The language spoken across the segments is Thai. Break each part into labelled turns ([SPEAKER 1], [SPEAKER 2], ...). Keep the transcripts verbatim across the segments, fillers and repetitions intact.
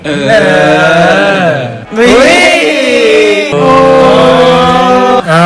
[SPEAKER 1] เออ
[SPEAKER 2] วิโอ้เอา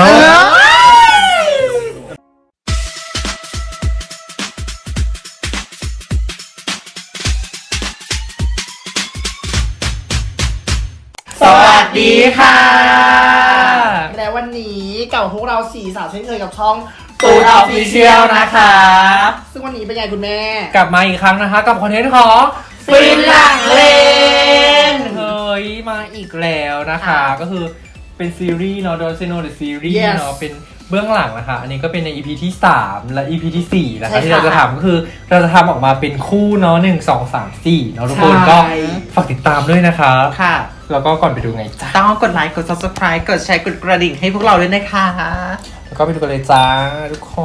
[SPEAKER 1] สวัสดีค่ะ
[SPEAKER 3] และวันนี้เก่าพวกเราสี่สาวเช่นเคยกับช่อง
[SPEAKER 2] ตูดออฟฟิเชียลนะคะ
[SPEAKER 3] ซึ่งวันนี้เป็นไงคุณแม่
[SPEAKER 2] กลับมาอีกครั้งนะคะกับคอนเทนต์ของ
[SPEAKER 3] ฟินหลังเลน
[SPEAKER 2] เฮ้ยมาอีกแล้วนะคะ ก็คือเป็นซีรีส์เนาะโดยเซโนเดอะซีรีส์
[SPEAKER 3] Yes
[SPEAKER 2] เนาะเป็นเบื้องหลังนะคะ อันนี้ก็เป็นใน อี พี ที่สามและ อี พี ที่สี่นะ
[SPEAKER 3] ใช่
[SPEAKER 2] คะ
[SPEAKER 3] ค่ะ
[SPEAKER 2] ที่เราจะทำก็คือเราจะทำออกมาเป็นคู่เนาะหนึ่งสองสามสี่เนาะทุกคน
[SPEAKER 3] ใช่
[SPEAKER 2] ก็ฝากติดตามด้วยนะคะ
[SPEAKER 1] ค่ะ
[SPEAKER 2] แล้วก็ก่อนไปดูไงจ้า
[SPEAKER 1] ต้องกดไลค์ กด ซับสไครบ์ กดแชร์ กดกระดิ่งให้พวกเราด้วยนะคะ
[SPEAKER 2] แล้วก็ไปดูกันเลยจ้าทุกคน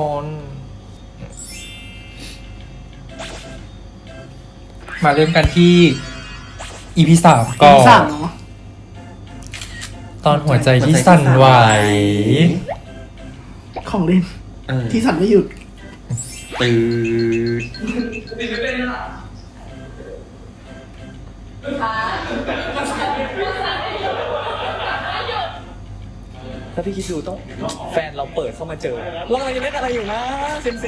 [SPEAKER 2] มาเริ่มกันที่ อี พี สามก่อน
[SPEAKER 3] สามเนาะ
[SPEAKER 2] ตอนหัวใจที่สั่นไหว
[SPEAKER 3] ของเล่น
[SPEAKER 1] เออ
[SPEAKER 3] ที่สั่นไม่หยุด
[SPEAKER 1] ตื่น
[SPEAKER 4] ถ้าพี่คิดดูต้องแฟนเราเปิดเข้ามาเจอเรากำลังจะเล่นอะไรอยู่นะเซนซี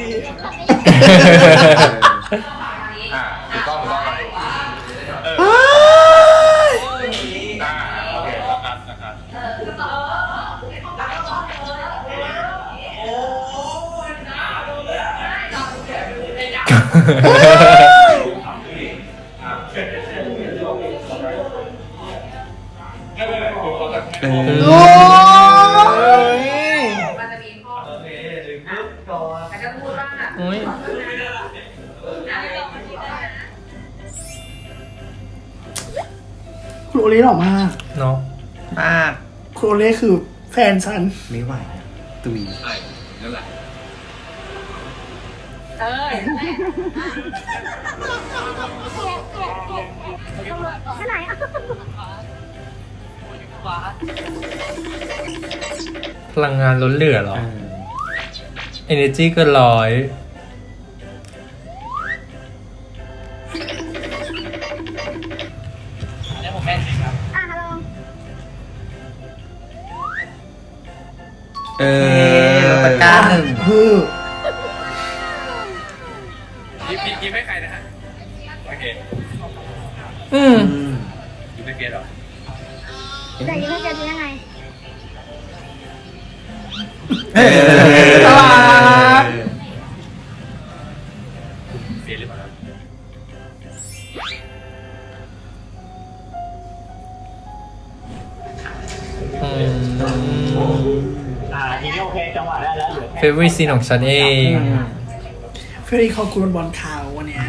[SPEAKER 5] ถูกต้องถูกต้อง
[SPEAKER 1] เออ
[SPEAKER 3] โอ้ย
[SPEAKER 6] มันจะมีข้อแต่ก็พูดว่า
[SPEAKER 2] โอ้ย
[SPEAKER 3] คุณโอเล่หล่อมาก
[SPEAKER 2] เนาะ
[SPEAKER 1] มาก
[SPEAKER 3] คุณโอเล่คือแฟนฉัน
[SPEAKER 1] ไม่ไหวตุย
[SPEAKER 6] เออ
[SPEAKER 2] พลังงานล้นเหลือเหรอ
[SPEAKER 1] เออ
[SPEAKER 2] energy เกินร้อย
[SPEAKER 1] เออตะกร้าหนึ่ง
[SPEAKER 3] คือ
[SPEAKER 4] ยิ้มยิ้มให้ใครนะฮะโอเค
[SPEAKER 2] อืม
[SPEAKER 1] อืม
[SPEAKER 4] ยิ้มให้เฟียสเหรอ
[SPEAKER 7] แต่ยังไม่เจอจะยังไง
[SPEAKER 1] เออ
[SPEAKER 3] น่ารัก
[SPEAKER 4] เฟียสหรือเปล่าครับ
[SPEAKER 2] อืมเฟเวอร์ซีนของฉันเอง
[SPEAKER 3] เฟรนด์ของคุณบอลข่าววันเนี้ย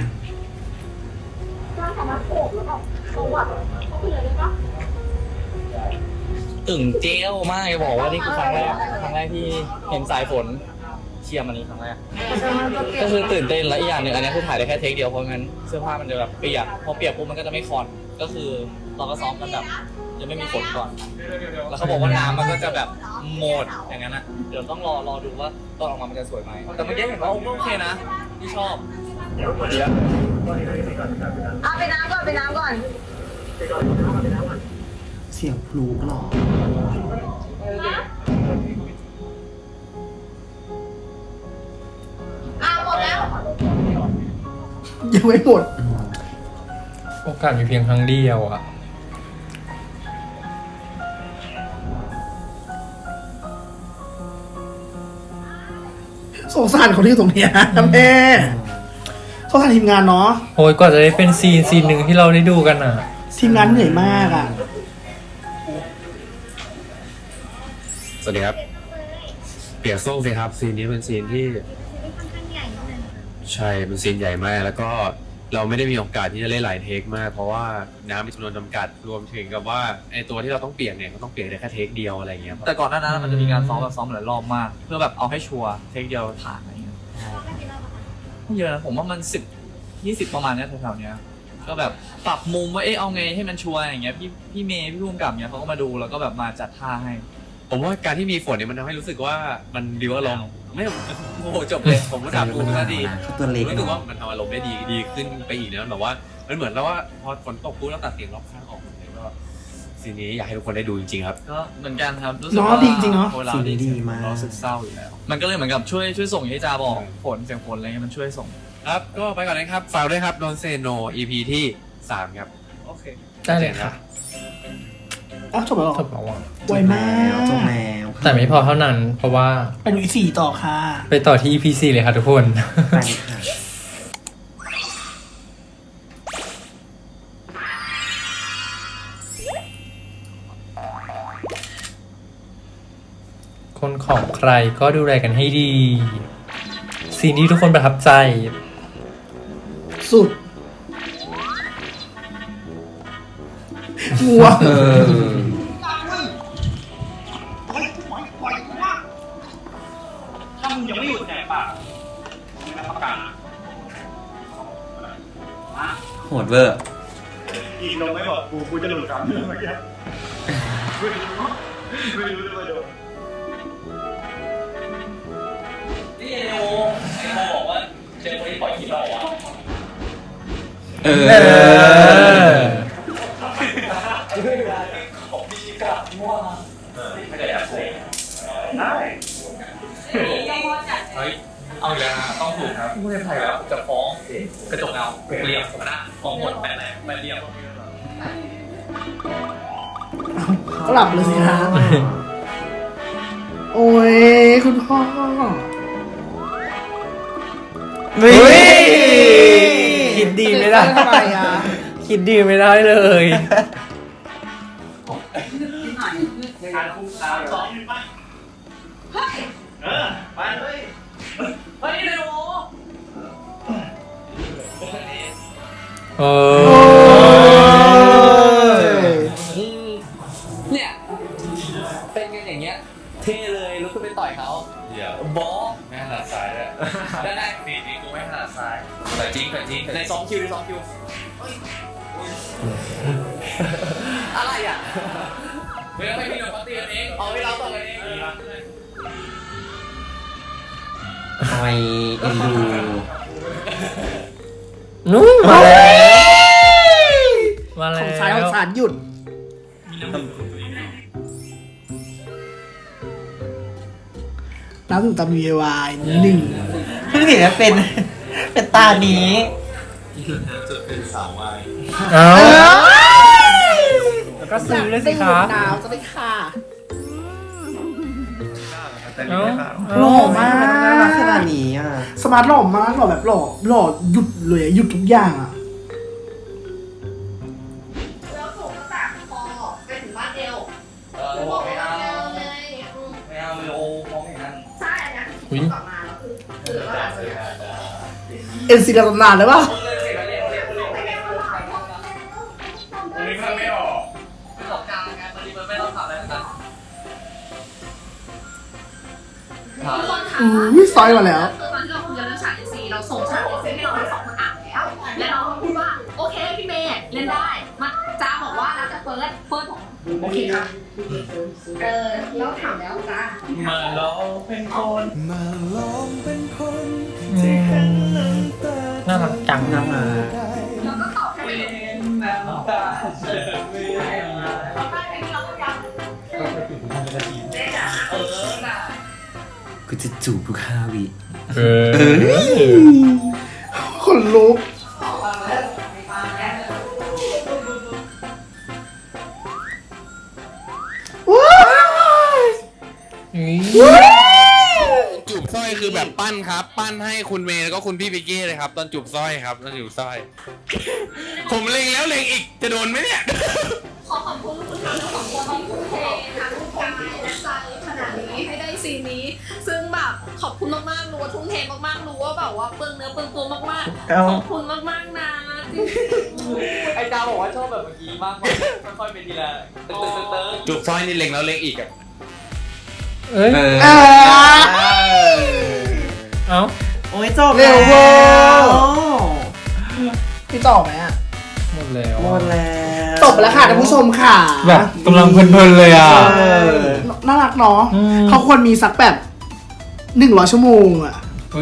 [SPEAKER 4] ตึงเจลมากเลยบอกว่านี่คือครั้งแรกครั้งแรกที่เห็นสายฝนเชียร์มันนี้ครั้งแรกก็คือตื่นเต้นและอีกอย่างหนึ่งอันนี้คือถ่ายได้แค่เทคเดียวเพราะงั้นเสื้อผ้ามันจะแบบเปียกพอเปียกปุ๊บมันก็จะไม่คอนก็คือเราก็ซ้อมกันแบบยังไม่มีฝนก่อน แล้วเขาบอกว่าน้ำมันก็จะแบบโหมดอย่างนั้นอ่ะเดี๋ยวต้องรอรอดูว่าตอนออกมามันจะสวยไหมแต่เมื่อกี้เห็นว่าโอเคนะที่ชอบ
[SPEAKER 6] เอาไปน้ำก่อนไปน้ำก่อน
[SPEAKER 3] เสียงพลูหล่อ
[SPEAKER 6] อ้าวหมดแล้ว
[SPEAKER 3] ยังไม่หมด
[SPEAKER 2] โอกาสมีเพียงครั้งเดียวอ่ะ
[SPEAKER 3] สงสารคนที่อยู่ตรงเนี้ยนะแม่สงสารทีมงานเนาะ
[SPEAKER 2] โอ้ยกว่าจะได้เป็นซีนซีนหนึ่งที่เราได้ดูกันอ่ะ
[SPEAKER 3] ทีมงานเหนื่อยมากอ่ะ
[SPEAKER 5] สวัสดีครับ เปียกโซ่สิครับซีนนี้เป็นซีนที่ใช่เป็นซีนใหญ่มาก แล้วก็เราไม่ได้มีโอกาสที่จะเล่นหลายเทคมาก เพราะว่าน้ำมีจำนวนจำกัดรวมถึงกับว่าไอตัวที่เราต้องเปียกเนี่ยก็ต้องเปียกได้แค่เทคเดียวอะไรอย่างเงี้ย
[SPEAKER 4] แต่ก่อนหน้านั้นมันจะมีการซ้อมแบบซ้อมหลายรอบมาก เพื่อแบบเอาให้ชัวร์เทคเดียวผ่านอะไรเงี้ยไม่เยอะนะผมว่ามันสิบยี่สิบประมาณเนี้ยแถวๆเนี้ยก็แบบปรับมุมว่าเอ๊ะเอาไงให้มันชัวร์อย่างเงี้ยพี่พี่เมย์พี่พุ่มกับเนี้ยเขาก็มาดูแล้วก็แบบมาจัดท่าให้
[SPEAKER 5] ผมว่าการที่มีฝนเนี่ยมันทำให้รู้สึกว่ามันดีว่าลมณ์ไม่โอ้โหจบเลยผมรู้จักกูก็ดี
[SPEAKER 1] เขาตัวเล็ก
[SPEAKER 5] รู้สึก
[SPEAKER 1] เนาะ
[SPEAKER 5] ว่ามันทำอารมณ์ได้ดีดีขึ้นไปอีกนะแบบว่ามันเหมือนแล้วว่าพอฝนตกปุ๊บแล้วตัดเสียงรอบข้างออกเลยก็ซีนนี้อยากให้ทุกคนได้ดูจริงๆครับ
[SPEAKER 4] ก็เหมือนกันครับรู้สึก
[SPEAKER 3] เนาะ
[SPEAKER 4] ว่า
[SPEAKER 3] ดีจริงเนาะ
[SPEAKER 4] เวลาดี
[SPEAKER 1] ดีมาก
[SPEAKER 5] เราสึกเศร้าอยู่แล้ว
[SPEAKER 4] มันก็เลยเหมือนกับช่วยช่วยส่งให้จาบอกผลเสียงผลอะไรเงี้ยมันช่วยส่ง
[SPEAKER 5] ครับก็ไปก่อนนะครับฝากด้วยครับโดนเซโน อี พี ที่สามครับ
[SPEAKER 4] โอเค
[SPEAKER 2] ได้เลยค่ะ
[SPEAKER 3] อ้าวจบแล้วเหรอ
[SPEAKER 2] จบแล้วอ่ะ
[SPEAKER 3] ไวมาก
[SPEAKER 1] จบแล้ว
[SPEAKER 2] แต่ไม่พอเท่านั้น เพราะว่า
[SPEAKER 3] ไปดูอีสี่ต่อค่ะ
[SPEAKER 2] ไปต่อที่ อี พี สี่เลยค่ะทุกคน
[SPEAKER 1] ไปค่ะ
[SPEAKER 2] คนของใครก็ดูแลกันให้ดีซีนที่ทุกคนประทับใจ
[SPEAKER 3] สุดวัว
[SPEAKER 1] เออ
[SPEAKER 6] ถ้ามึงยังไม่หยุดแหกปากมึงรับประกัน
[SPEAKER 1] โหดเวอร์
[SPEAKER 6] อีกลงไม่บอกกูกูจะหลุดกลับเมื่อกี้ไม่รู้ไม่รู้เลยว่าโดน
[SPEAKER 4] นี่ไอโอไอโอบอกว่าเจอคนที่ปล่อยคลิปเราอ่ะ
[SPEAKER 1] เออ
[SPEAKER 4] ของพี่ชิกะมั่วไม่ได้อยากโกง
[SPEAKER 6] ได้
[SPEAKER 4] เฮ้ยเอาอีกแล้วนะต้องถูกครับผู้เล่นไทยแล้วจะฟ้องกระจกเงาเรียบคณะฟ้องหมดแปดแปดแปดเรียบ
[SPEAKER 3] ก็หลับเลยสิฮะโอ้ยคุณพ่อ
[SPEAKER 2] เฮ้ยคิดดีไม่ได้
[SPEAKER 3] ทำไมอ่ะ
[SPEAKER 2] คิดดีไม่ได้เลย
[SPEAKER 6] การคุมสามสองหนึ่งไปเออไปเลย
[SPEAKER 4] เฮ้ยไอโอ
[SPEAKER 2] เอ
[SPEAKER 3] โอ้
[SPEAKER 2] อ
[SPEAKER 3] ย
[SPEAKER 4] เนี่ยเป็นกันอย่างเงี้ยเท่เลยลุกขึ้นไปต่อยเขา
[SPEAKER 5] เดี๋ยว
[SPEAKER 4] บอส
[SPEAKER 5] ไม่ถนัดซ้ายเลย
[SPEAKER 4] ได้ได้
[SPEAKER 5] ซีนนี้กูไม่ถนัดซ้ายแต่จริงแต่จริง
[SPEAKER 4] ในสองคิวในสองคิวอะไรอ่ะเฮ้ยไม่พี่หนุ่มเขาตีกันเองเอาไปเราต่อกันเอง
[SPEAKER 1] ทำไมเอ็นดู
[SPEAKER 2] นุ่มมาแล้วมาแล้ว
[SPEAKER 3] ของสายของสารหยุดน้ำถึงตำยูเอวายหนึ่ง
[SPEAKER 1] เพิ่งเห็นว่าเป็น เป็นตานี้
[SPEAKER 5] จะเป็นสาววาย
[SPEAKER 2] เอาแล้วก็ซื้อเลยสิคะ
[SPEAKER 3] หนาวจะได้ค่ะ
[SPEAKER 2] เอา
[SPEAKER 3] หล่อมาก
[SPEAKER 1] น่ารักขนาดนี้อ่ะ
[SPEAKER 3] สมาร์ทหล่อมากหล่อแบบหล่อหล่อหยุดเลยอะหยุดทุกอย่างอ่ะ
[SPEAKER 7] แล้วส่งกระต่ายคอไปถึงบ้านเอว
[SPEAKER 4] เออบอกไม่เอา
[SPEAKER 7] เอวเลยอืม
[SPEAKER 4] ไม่เอาเลยโอ้ฟ้องอย่างนั้น
[SPEAKER 7] ใช่นะกลับมาแล้วคือคือว่า
[SPEAKER 3] เอ็นซีดานานเลยป่ะ
[SPEAKER 6] นึกภาพไม่ออก
[SPEAKER 4] ประสบการณ์ไงบางทีมันไม่ต้องทำอะไรทั้งนั้น
[SPEAKER 7] ทุกคนถาม
[SPEAKER 3] อู้
[SPEAKER 7] ว่า
[SPEAKER 3] ยซอยมาแล้ว
[SPEAKER 7] คือตอนที่เราคุยกันเรื่องฉากเอซีเราส่งฉากเอซีให้เราทั้งสองคนอ่านแล้ว แล้วน้องก็พูดว่าโอเคพี่เมย์เล่นได้มาจ้าบอกว่าแล้วแต่เฟิร์สเฟิร์สบอกโอเคครับเออแล้วถามแล้วจ้า
[SPEAKER 4] มาลองเป็นคน
[SPEAKER 2] น่ารักจังนะมา
[SPEAKER 7] แล้วก็ตอบให้
[SPEAKER 4] เป็นน้ำตาเธอไม่ได้มา
[SPEAKER 7] เราได้เพลงนี้เราก็ฟังเจ๊จ๋า
[SPEAKER 4] เออน่ะ
[SPEAKER 1] กูจะจูบทุกห้าวิ
[SPEAKER 2] เออ
[SPEAKER 3] คนลุกว้าย
[SPEAKER 5] จูบสร้อยคือแบบปั้นครับ ปั้นให้คุณเมย์แล้วก็คุณพี่พิกกี้เลยครับ ตอนจูบสร้อยครับตอนจูบสร้อย ผมเล็งแล้วเล็งอีกจะโดนไหมเนี่ย
[SPEAKER 7] ขอขอบคุณคุณทั้งสองคนที่ทุ่มเททั้งกายและใจขนาดนี้ให้ได้ซีนนี้ ซึ่งแบบขอบคุณมากๆรู้ว่าทุ่มเทมากๆรู้ว่าแบบว่าเปลืองเนื้อเปลืองตัวมากๆขอบคุณมากๆนะจริง
[SPEAKER 4] ไอ้จาบอกว่าชอบแบบเมื่อกี้มากกว่าค่อยๆเป็นทีละเติร์ดเติร์ด
[SPEAKER 5] จูบสร้อยนี่เล็งแล้วเล็งอีกอะ
[SPEAKER 2] เอ้ย
[SPEAKER 1] เออ
[SPEAKER 3] อ่า
[SPEAKER 2] เอ้า
[SPEAKER 1] โอ้ยจบ
[SPEAKER 3] เร็วเวอร์
[SPEAKER 1] แล้ว
[SPEAKER 3] พี่ต่อไหมอ่ะ
[SPEAKER 2] หมดแล้ว
[SPEAKER 1] หมดแล้ว
[SPEAKER 3] จบไปแล้วค่ะท่านผู้ชมค่ะ
[SPEAKER 2] แบบกำลังเพลินๆเลยอ่ะ
[SPEAKER 1] เออ
[SPEAKER 3] น่ารักเนาะ
[SPEAKER 2] อืม
[SPEAKER 3] เขาควรมีสักแบบหนึ่งร้อยชั่วโมงอ่ะ
[SPEAKER 2] เฮ้ย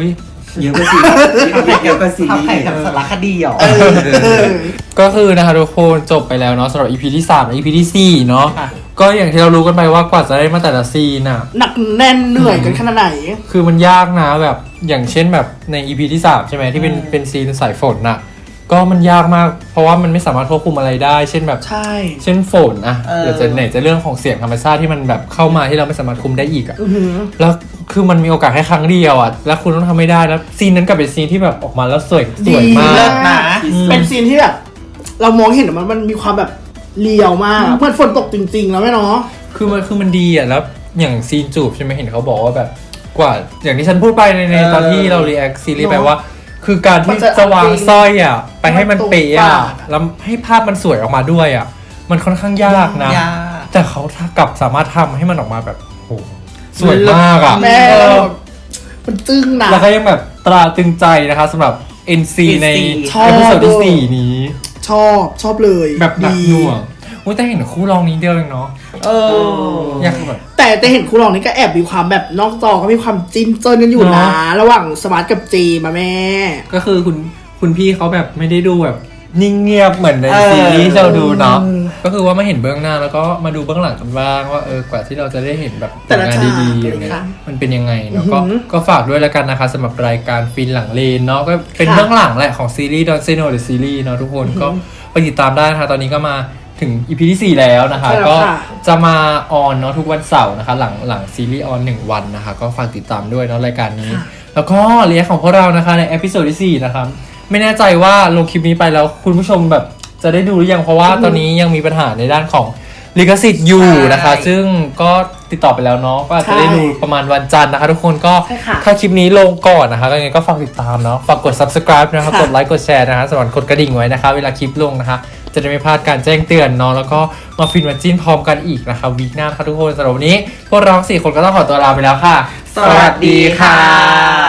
[SPEAKER 1] เยอะกว่าซีเยอะกว่าซี
[SPEAKER 2] ทำแข่งกับสารคดีเหรอ
[SPEAKER 3] เออ
[SPEAKER 2] ก็คือนะคะทุกคนจบไปแล้วเนาะสำหรับ อี พี ที่สามและ อี พี ที่สี่เนาะ
[SPEAKER 3] ค่ะ
[SPEAKER 2] ก็อย่างที่เรารู้กันไปว่ากว่าจะได้มาแต่ละซีนอ่ะ
[SPEAKER 3] หนักแน่นเหนื่อยกันขนาดไหน
[SPEAKER 2] คือมันยากนะแบบอย่างเช่นแบบใน อี พี ที่สามใช่ไหมที่เป็นเป็นซีนสายฝนน่ะก็มันยากมากเพราะว่ามันไม่สามารถควบคุมอะไรได้ เช่นแบบ
[SPEAKER 3] ใช่
[SPEAKER 2] เช่นฝนอะ
[SPEAKER 1] เออ
[SPEAKER 2] หรือจะไหนจะเรื่องของเสียงธรรมชาติที่มันแบบเข้ามาที่เราไม่สามารถคุมได้อีกอะ
[SPEAKER 3] อื้อหือ
[SPEAKER 2] แล้วคือมันมีโอกาสแค่ครั้งเดียวอะแล้วคุณต้องทำไม่ได้แล้วซีนนั้นกลับเป็นซีนที่แบบออกมาแล้วสวยสวยมา
[SPEAKER 3] เลิ
[SPEAKER 2] ก
[SPEAKER 3] ศนะ
[SPEAKER 2] อืม
[SPEAKER 3] เป็นซีนที่แบบเรามองเห็นอะมันมันมีความแบบเรียวมากเหมือนฝนตกจริง ๆ แล้วแม่เนาะ
[SPEAKER 2] คือมันคือมันดีอะแล้วอย่างซีนจูบใช่ไหมเห็นเขาบอกว่าแบบกว่าอย่างที่ฉันพูดไปในในตอนที่เรารีแอคซีรีส์ไปว่า คือการที่จะวางสร้อยอะไปให้มันเป๊ะอะแล้วให้ภาพมันสวยออกมาด้วยอะมันค่อนข้างยากนะ
[SPEAKER 1] ยาก
[SPEAKER 2] แต่เขากลับสามารถทำให้มันออกมาแบบโหสวยมากอะ
[SPEAKER 3] แม่
[SPEAKER 2] เออ
[SPEAKER 3] มันจึ้งนะ
[SPEAKER 2] แล้วก็ยังแบบตราตรึงใจนะคะสำหรับ เอ็น ซี ใน
[SPEAKER 3] ชอบ
[SPEAKER 2] เอพิโซดที่สี่นี้
[SPEAKER 3] ชอบชอบเลย
[SPEAKER 2] แบบหนัก
[SPEAKER 3] ดี
[SPEAKER 2] หน่วงโอ้ยแต่เห็นคู่รองนี้เดียวเองเนาะ
[SPEAKER 1] เออ
[SPEAKER 2] อยากแบบ
[SPEAKER 3] แต่แต่เห็นครูรองนี่ก็แอบมีความแบบนอกจอก็มีความจิ้นเจิ้นกันอยู่
[SPEAKER 2] เน
[SPEAKER 3] นะ
[SPEAKER 2] อะ
[SPEAKER 3] ระหว่างสมาร์ทกับจีมาแม่
[SPEAKER 2] ก็คือคุณคุณพี่เขาแบบไม่ได้ดูแบบนิ่งเงียบเหมือนใน
[SPEAKER 1] เออ
[SPEAKER 2] ซีรีส์ที่เราดูเนาะก็คือว่ามาเห็นเบื้องหน้าแล้วก็มาดูเบื้องหลังกันบ้างว่าเออกว่าที่เราจะได้เห็นแบบผลงานดีๆอย่างเงี้ยมันเป็นยังไงเนาะก็ก็ฝากด้วยแล้วกันนะคะสำหรับรายการฟินหลังเลนเนาะก็เป็นเบื้องหลังแหละของซีรีส์ดอนเซโนหรือซีรีส์เนาะทุกคนก็ไปติดตามได้นะคะตอนนี้ก็มาถึง อี พี ที่สี่แล้วนะคะ
[SPEAKER 3] ใช่แล้ว
[SPEAKER 2] ก็
[SPEAKER 3] ค่ะ
[SPEAKER 2] จะมาออนเนาะทุกวันเสาร์นะคะหลังหลังซีรีส์ออนหนึ่งวันนะคะก็ฝากติดตามด้วยเนาะรายการนี้ แล้วก็เรียกของพวกเรานะคะในเอพิโซดที่สี่นะครับไม่แน่ใจว่าลงคลิปนี้ไปแล้วคุณผู้ชมแบบจะได้ดูหรือยังเพราะว่าตอนนี้ยังมีปัญหาในด้านของลิขสิทธิ์อยู่นะคะ ซึ่งก็ติดต่อไปแล้วเนาะก็อาจจะได้ดูประมาณวันจันทร์นะคะ ทุกคนก็
[SPEAKER 3] ใช่ค่ะ
[SPEAKER 2] ถ้าคลิปนี้ลงก่อนนะคะก็ยังไงก็ฝากติดตามเนาะฝากกด subscribe นะคะ
[SPEAKER 3] ค่ะ
[SPEAKER 2] กดไลค์กดแชร์นะคะสำหรับกดกระดิ่งไว้นะคะ เวลาคลิปลงนะคะ จะได้ไม่พลาดการแจ้งเตือนเนาะแล้วก็มาฟินมาจิ้นพร้อมกันอีกนะคะวีคหน้านะคะทุกคนสำหรับวันนี้พวกเราสี่คนก็ต้องขอตัวลาไปแล้วค่ะ
[SPEAKER 1] สวัสดีค่ะ